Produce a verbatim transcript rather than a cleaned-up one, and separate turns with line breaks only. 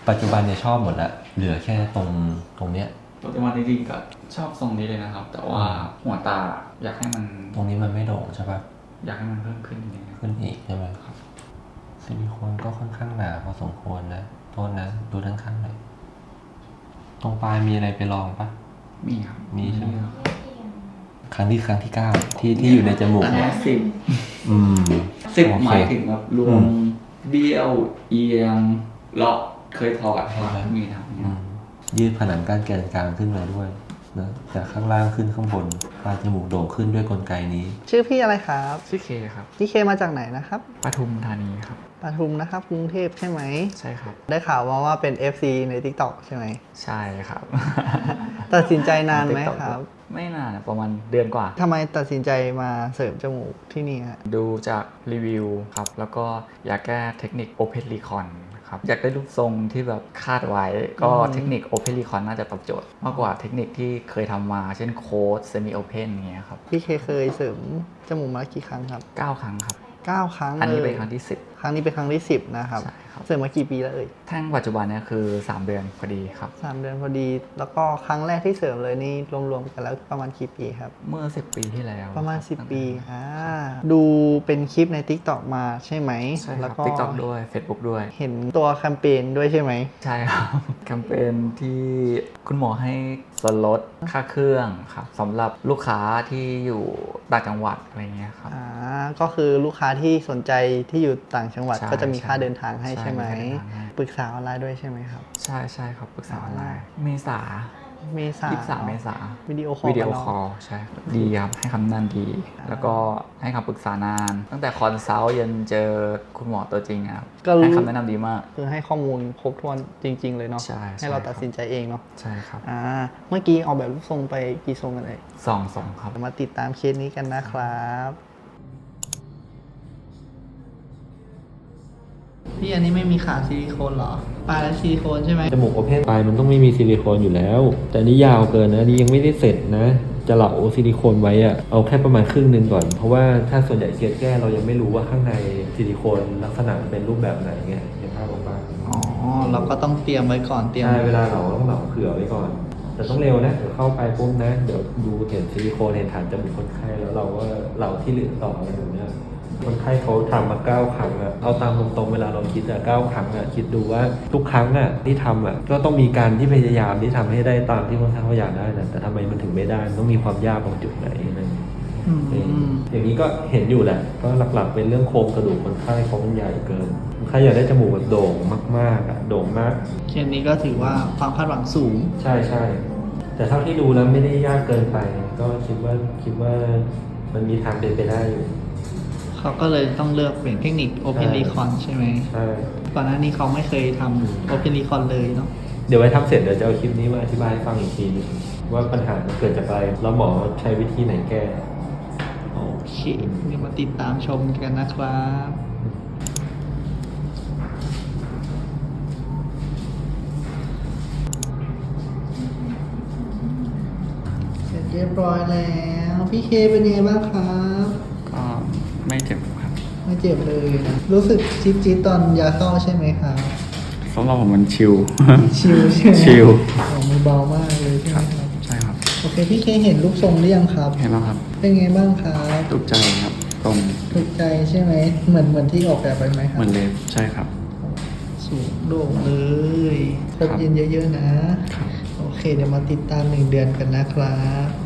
ปัจจุบันเนี่ยชอบหมดแล้วเหลือแค่ตรงตรงเนี้ย
ปัจจุบันจริงๆก็ชอบทรงนี้เลยนะครับ แต่ว่าหัวตาอยากให้มัน
ตรงนี้มันไม่โด่งใช่ปะ
อยากให้มันเพิ่มขึ้นนิดนึง
ขึ้นอีกใช่ไหมครับซิลิโคนก็ค่อนข้างหนาพอสมควรนะโทษนะดูด้านข้างหน่อยตรงปลายมีอะไรไปลองปะ
มีครับ
มีใช่ไหมครั้งที่ครั้งที่เก้าที่ที่อยู่ในจมูกเนี่ย
สิบ
อืม
สิบหมายถึงแบบรวมเบี้ยวเอียงเลาะเคยถอดมีทำเนี่ย
ยืดผนังก้านแกนกลางขึ้นมาด้วยนะจากข้างล่างขึ้นข้างบนปลายจมูกโด่งขึ้นด้วยกลไกนี้
ชื่อพี่อะไรครับ
ชื่อเคครับ
พี่เคมาจากไหนนะครับ
ปทุมธานีครับ
ปทุมนะครับกรุงเทพใช่ไหม
ใช่ครับ
ได้ข่าวมาว่าเป็น เอฟ ซี ใน TikTok ใช่ไหม
ใช่ครับ
ตัดสินใจนานไหมครับ
ไม่นานประมาณเดือนกว่า
ทำไมตัดสินใจมาเสริมจมูกที่นี่ฮะ
ดูจากรีวิวครับแล้วก็อยากแก้เทคนิค Open Recon ครับอยากได้รูปทรงที่แบบคาดไว้ก็เทคนิค Open Recon น่าจะตอบโจทย์มากกว่าเทคนิคที่เคยทำมาเช่นโค้ด Semi Open อย่างเงี้ยครับ
พี่เคเคยเสริมจมูกมากี่ครั้งครับ
เก้าครั้งครับ
เก้าครั้ง
อันนี้เป็นครั้งที่สิบ
ครั้งนี้เป็นครั้งที่สิบนะครับเสริมมากี่ปีแล้วเอ่ย
แท่งปัจจุบันเนี่ยคือสามเดือนพอดีครับ
สามเดือนพอดีแล้วก็ครั้งแรกที่เสริมเลยนี่รวมๆกันแล้วประมาณกี่ปีครับ
เมื่อสิบปีที่แล้ว
ประมาณสิบปีอ่าดูเป็นคลิปใน TikTok มาใช่ไหม
ใช่ครับ TikTok ด้วย Facebook ด้วย
เห็นตัวแคมเปญด้วยใช่ไหม
ใช่ครับแคมเปญที่คุณหมอให้ส่วนลดค่าเครื่องครับสำหรับลูกค้าที่อยู่ต่างจังหวัดอะไรเงี้ยครับ
อ่าก็คือลูกค้าที่สนใจที่อยู่ต่างจังหวัดก็จะมีค่าเดินทางให้ใช่ไหมปรึกษาออนไลน์ด้วยใช่ไหมครับ
ใช่ใช่ครับปรึกษาออนไลน์เมษา
เมษา
ยี่สิบสามเมษา
วิดีโอคอล
วิดีโอคอลใช่ดีครับให้คำแนะนำดีแล้วก็ให้คำปรึกษานานตั้งแต่คอนซัลท์ยันเจอคุณหมอตัวจริงครับให้คำแนะนำดีมาก
คือให้ข้อมูลครบถ้วนจริงๆเลยเนาะ
ใช่
ให้เราตัดสินใจเองเนาะ
ใช่ครับ
อ่าเมื่อกี้ออกแบบรูปทรงไปกี่ทรงกันเลย
สองทรงครับ
มาติดตามเคสนี้กันนะครับพี่อันนี้ไม่มีขาซิลิโคนเหรอปลายและซิลิโคนใช่ไหม
จมูกโอเพนปลายมันต้องไม่มีซิลิโคนอยู่แล้วแต่นี่ยาวเกินนะนี่ยังไม่ได้เสร็จนะจะเหลาซิลิโคนไว้อะเอาแค่ประมาณครึ่งนึงก่อนเพราะว่าถ้าส่วนใหญ่เคสแก้เรายังไม่รู้ว่าข้างในซิลิโคนลักษณะเป็นรูปแบบไหนไงเห็นภาพออกปะ
อ๋อเราก็ต้องเตรียมไว้ก่อนเตรียม
ใช่เวลาเราต้องเหลาเผื่อไว้ก่อนแต่ต้องเร็วนะเดี๋ยวเข้าไปปุ๊บนะเดี๋ยวดูเห็นซิลิโคนเห็นฐานจมูกคนไข้แล้วเราก็เหลาที่เหลือต่ออะไรแบบนี้คนไข้เขาทำมาเก้าครั้งอะเอาตามตรงๆเวลาเราคิดอะเก้าครั้งอะคิดดูว่าทุกครั้งอะที่ทำอะก็ต้องมีการที่พยายามที่ทำให้ได้ตามที่คนไข้เขาอยากได้นะแต่ทำไมมันถึงไม่ได้มันต้องมีความยากตรงจุดไหนอะไรอย่างนี้ก็เห็นอยู่แหละก็หลักๆเป็นเรื่องโครงกระดูกคนไข้เขาใหญ่เกินคนไข้อยากได้จมูกแบบโด่งมากๆอะโด่งมาก
เคสนี้ก็ถือว่าความคาดหวังสูง
ใช่ใช่แต่เท่าที่ดูแล้วไม่ได้ยากเกินไปก็คิดว่าคิดว่ามันมีทางเป็นไปได้อยู่
เขาก็เลยต้องเลือกเป็นเทคนิค Open Recon ใช่ไหม
ใช่
ก่อนหน้านี้เขาไม่เคยทำ Open Recon เลยเนาะ
เดี๋ยวไว้ทำเสร็จเดี๋ยวจะเอาคลิปนี้มาอธิบายให้ฟังอีกทีนึงว่าปัญหามันเกิดจากอะไรแล้วหมอใช้วิธีไหนแก้
โอเคเดี๋ยวมาติดตามชมกันนะครับเสร็จเรียบร้อยแล้วพี่เคเป็นยังไงบ้างครับ
ก็ไม่เจ็บครับ
ไม่เจ็บเลยนะรู้สึกจี๊ดจี๊ดตอนยาเข้าใช่ไหมครับ
สำหรับผมมันชิล
ชิลใช่ไหม
ชิล
มือเบามากเลยใช่ไหมครับ
ใช่ครับ
โอเคพี่เคเห็นรูปทรงหรือยังครับ
เห็นแล้วครับ
เป็นไงบ้างครับ
ถูกใจครับตรง
ถูกใจใช่ไหมเหมือนเหมือนที่ออกแบบไปไหมครับ
เหมือนเลยใช่ครับ
สูงโด่งเลยครบเย็นเยอะๆนะโอเคเดี๋ยวมาติดตามหนึ่งเดือนกันนะครับ